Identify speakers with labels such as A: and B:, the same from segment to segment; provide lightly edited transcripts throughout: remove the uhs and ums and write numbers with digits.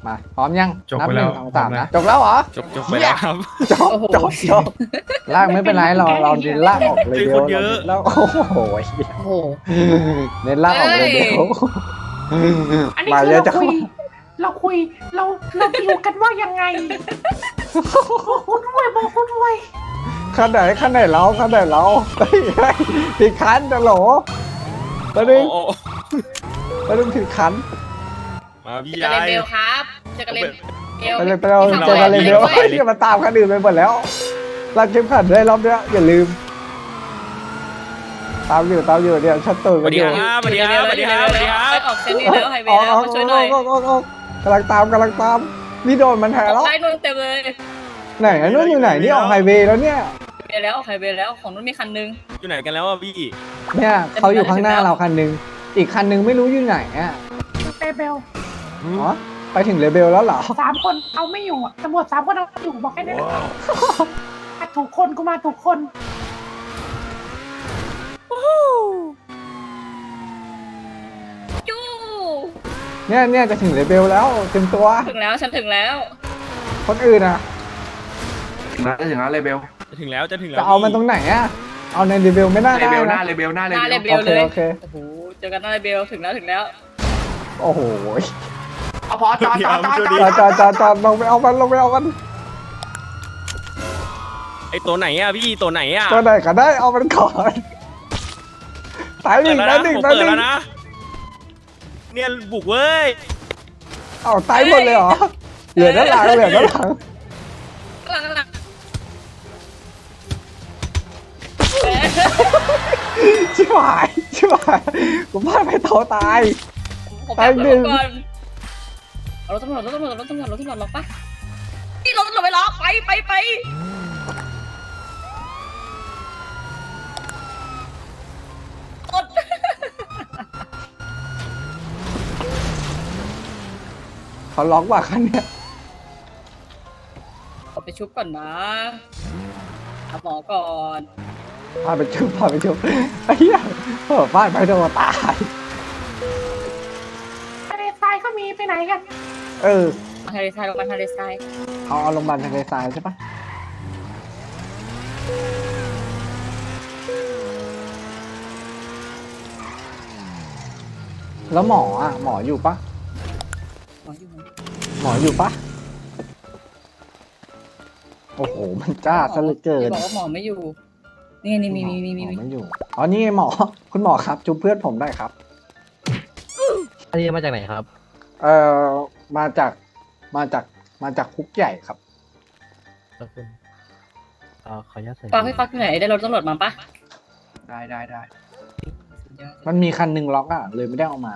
A: มาพร้อมยัง
B: จบ
A: นั
B: ไป
A: ห
B: แล้
A: นึ่
B: ว
A: งสองสามนะจบแล้วเหรอ
C: จบไปแล้วครับ
A: จบจบจบลากไม่เป็นไรเราเน้นลากออกเลยเดียว
C: คนเยอะ
A: แล้วโอ้โห
D: โอ้โห
A: เน้นลากออกเลยเดียว
E: อันนี้
A: มา
E: คือ
A: เยอะ
E: เรา
A: จัง
E: คุย เราดีลกันว่ายังไงบอกคุณด้วยบอกคุณด้วย
A: ขั้นไหนเราเฮ้ยผิดคันจะโหลตอนนึง
C: โอ้
A: ตอนนึงผิดคัน
C: มาพี่
D: เจอ
C: ชา
D: กัน
C: ย
D: เบลครับเจอกันเบล
A: ไปเราเจอกันเลยเดียวอย่ามาตามคันอื่นไปหมดแล้วรัดเข็มขัดได้รอบเนี้ยอย่าลืมตามอยู่เนี่ยชัดตื่น
C: ส
A: กั
C: วัน ส
A: อ
C: ดี
A: ยู่
C: ครับสวัสดีครับสวัสดีครับสวัสดีครับ
D: ออกเซนนี่แล้วไฮเวย์แล้วมาช่วยหน่อย
A: กำลังตามนี่โดนมันแทงแล้ว
D: ได้นู่นเต็มเลย
A: ไหนนู่นอยู่ไหนนี่ออกไฮเวย์แล้วเนี่ย
D: ไปแล้วไฮเวย์แล้วของนู้นมีคันนึง
C: อยู่ไหนกันแล้วอ่ะพี่
A: เนี่ยเขาอยู่ข้างหน้าเราคันนึงอีกคันนึงไม่รู้อยู่ไหนอ่ะ
E: เปเบล
A: อ๋อไปถึงเลเบลแล้วเหรอ
E: 3 คนเอาไม่อยู่อะตำรวจ3 คนเอาไม่อยู่บอกแค่นี้มาถูกคนกูมาถูกคน
D: จู้
A: เนี่ยจะถึงเลเบลแล้วเต็มตัว
D: ถึงแล้วฉันถึงแล้ว
A: คนอื่นอ่ะ
B: ถึงแล้วเลยเบล
C: จะถึงแล้วจะถึงแล้ว
A: จะเอามันตรงไหนอ่ะเอาในเลเบลไม่น่า
B: เล
A: ได้
B: เบลหน้า
A: นะ
B: เลเบลหน้าเล
D: หน้าเล
B: เบ
D: เบ
B: ล
D: ลเลย
A: โอเค
D: โอ้โหเจอกันหน้าเลเบลถึงแล้ว
A: โอ้โห
B: เอาพอจอด
A: จอดลงไปเอามัน
C: ไอตัวไหนอ่ะพี่ตัวไหนอ่ะ
A: ตัวไหนก็ได้เอามันก่อนตายหนึ่ง
C: เปิด
A: ตา
C: แล้
A: ยว หนึ่ง
C: นะผม
A: ตาย
C: เปิด
A: หนึ่
C: แล้
A: ง
C: วนะเนี่ยบุกเว้ย
A: เอาตายหมดเลยเหรอเหลือด้านหลัง
D: กำลัง
A: ชิบหายกูพลาดไปเท่าตาย
D: ผมแบบรถก่อนรถตำรวจล็อกปะนี่รถตำรวจไปล็อกไปอด
A: เขาล็อกว่าคันเนี้ย
D: เอาไปชุบก่อนนะหาหมอก่อน
A: พาไปชุบไอ้เหี้ยพลาดไปโดนตาย
E: ทะเลทรายก็มีไปไหนกัน
A: เออ
D: ทะเลทรายลงมาทะเลทราย
A: เอาโรงพยาบาลทะเลทรายใช่ปะแล้วหมออ่ะหมออยู่ปะ
D: หมออยู่ไหน
A: หมออยู่ปะโอ้โหมันกล้าซะเหลือเกิน
D: บอกว่าหมอไม่อยู่นี่มี
A: หมอไม่อยู่อ๋อนี่ไงหมอคุณหมอครับจุ๊บเพื่อนผมได้ครับ
F: อันนี้มาจากไหนครับ
A: เออมาจากคุกใหญ่ครับ
F: ขอบคุณขออนุญาตใส่
D: ปาให้ฟักไหนได้รถตำรวจมาปะ
B: ได้
A: มันมีคันหนึ่งล็อกอ่ะเลยไม่ได้เอามา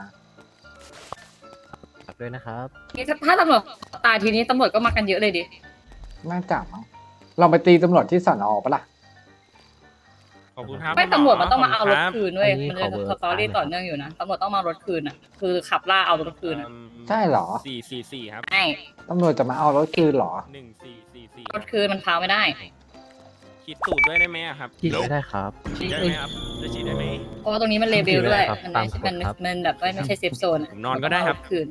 F: ฝากด้วยนะครับ
D: ถ้าตำรวจตายทีนี้ตำรวจก็มากันเยอะเลยดิ
A: น่าจับมั้งเราไปตีตำรวจที่สอนอปะล่ะ
C: ขอบคุณครับ
D: ไม่ตำรวจมันต้องมาเอารถ
C: ขบ
D: คืนด้วยมันจะสตอรี่ต่อเนื่องอยู่นะตำรวจต้องมารถคืนอ่ะคือขับล่าเอารถคืนอ่ะ
A: ใช่เหรอ
C: 444ครับ
D: ใช่
A: ตำรวจจะมาเอารถคืนเหรอ
C: 1444
D: รถคืนมันพาไม่ได้
C: คิดตูดด้วยได้ไหมอะครับ
F: ฉีดไม่ได้ครับ
C: ฉีดได้ไหมครับจะฉีดได้ไหม
D: เพราะว่าตรงนี้มันเลเบลด้วย
F: ครับ
D: มัน
F: ตาม
D: ไม่ใช่
F: กฎครับ
D: มันแบบไม่ใช่เซฟโซน
C: ผมนอนก็ได้ครับ
D: คืน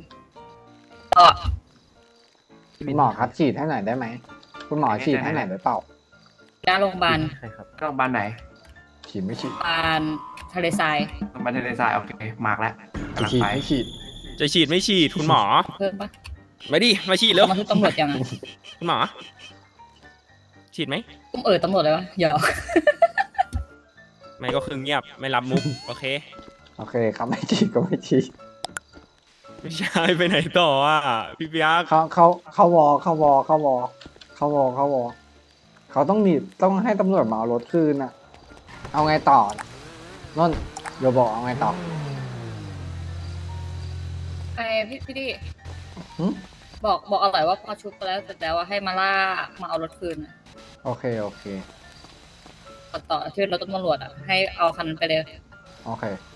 A: คุณหมอครับฉีดให้หน่อยได้ไหมคุณหมอฉีดให้หน่อยได้เปล่า
D: หน้าโรงพยาบาล
F: ใช่ครับ
B: ก็โรงพยาบาลไหน
A: ฉีดไม่ฉีด
D: โรงพยาบาลทะเลทราย
B: โรงพยาบาลทะเลทรายโอเคมาร์กแล้วกำลัง
A: ฉีด
B: ไป
A: ไม่ฉีด
C: จะฉีดไม่ฉีดคุณหมอ
D: เพิ่มปะ
C: มาดิมาฉีดแล้ว
D: มาทุกตำรวจยังอ่ะ
C: คุณหมอ ฉีดไหม
D: อุ้มตำรวจเลยวะหยอก
C: ไม่ก็คือเงียบไม่รับมุกโอเค
A: โอเคครับไม่ฉีดก็ไม่ฉีด
C: ไม่ใช่ไปไหนต่ออ่ะพี่เปียก
A: เขาวอเขาต้องให้ตำรวจมาเอารถคืนอ่ะ เอาไงต่อนนท์เดี๋ยวบอกเอาไงต่อ
D: ไอ้พี่ดิ
A: หึ
D: บอกอร่อยว่าพอชุบไปแล้วเสร็จแล้วว่าให้มาล่ามาเอารถคืนอะ
A: โอเค
D: ต่อชื่อรถตำรวจอ่ะให้เอาคันนั้นไปเลย
A: โอเค